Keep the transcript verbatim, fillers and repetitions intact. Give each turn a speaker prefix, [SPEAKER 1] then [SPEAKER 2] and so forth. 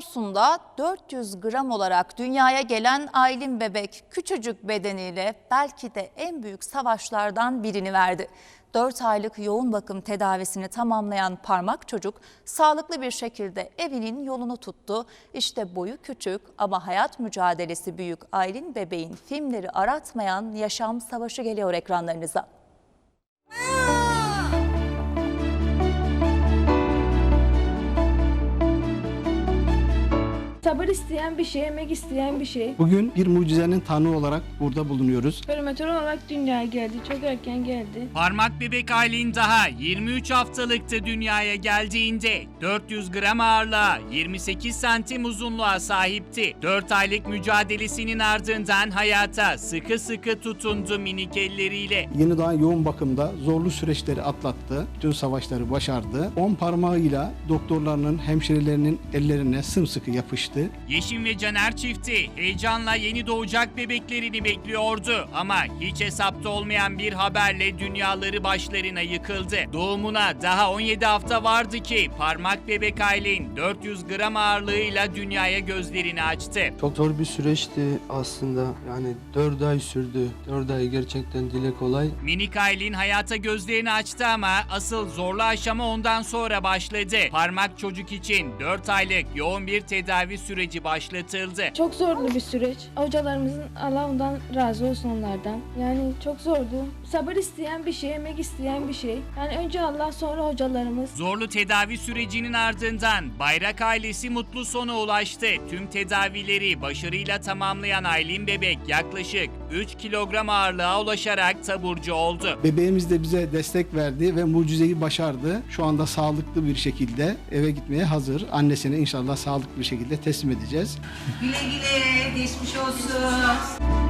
[SPEAKER 1] Samsun'da dört yüz gram olarak dünyaya gelen Aylin bebek küçücük bedeniyle belki de en büyük savaşlardan birini verdi. dört aylık yoğun bakım tedavisini tamamlayan parmak çocuk sağlıklı bir şekilde evinin yolunu tuttu. İşte boyu küçük ama hayat mücadelesi büyük Aylin bebeğin filmleri aratmayan yaşam savaşı geliyor ekranlarınıza.
[SPEAKER 2] Sabır isteyen bir şey, emek isteyen bir şey.
[SPEAKER 3] Bugün bir mucizenin tanığı olarak burada bulunuyoruz.
[SPEAKER 2] Prematür olarak dünyaya geldi, çok erken geldi.
[SPEAKER 4] Parmak bebek Aylin daha yirmi üç haftalıktı dünyaya geldiğinde. dört yüz gram ağırlığa, yirmi sekiz santim uzunluğa sahipti. dört aylık mücadelesinin ardından hayata sıkı sıkı tutundu minik elleriyle.
[SPEAKER 3] Yeni doğan yoğun bakımda zorlu süreçleri atlattı. Tüm savaşları başardı. on parmağıyla doktorlarının, hemşirelerinin ellerine sımsıkı yapıştı.
[SPEAKER 4] Yeşim ve Caner çifti heyecanla yeni doğacak bebeklerini bekliyordu ama hiç hesapta olmayan bir haberle dünyaları başlarına yıkıldı. Doğumuna daha on yedi hafta vardı ki parmak bebek Aylin dört yüz gram ağırlığıyla dünyaya gözlerini açtı.
[SPEAKER 5] Çok zor bir süreçti aslında. Yani dört ay sürdü. dört ay gerçekten dile kolay.
[SPEAKER 4] Minik Aylin hayata gözlerini açtı ama asıl zorlu aşama ondan sonra başladı. Parmak çocuk için dört aylık yoğun bir tedavi süreci başlatıldı.
[SPEAKER 2] Çok zorlu bir süreç. Hocalarımızın, Allah ondan razı olsun onlardan. Yani çok zordu. Sabır isteyen bir şey, emek isteyen bir şey. Yani önce Allah, sonra hocalarımız.
[SPEAKER 4] Zorlu tedavi sürecinin ardından Bayrak ailesi mutlu sona ulaştı. Tüm tedavileri başarıyla tamamlayan Aylin bebek yaklaşık üç kilogram ağırlığa ulaşarak taburcu oldu.
[SPEAKER 3] Bebeğimiz de bize destek verdi ve mucizeyi başardı. Şu anda sağlıklı bir şekilde eve gitmeye hazır. Annesine inşallah sağlıklı bir şekilde teslim edeceğiz.
[SPEAKER 6] Güle güle, geçmiş olsun.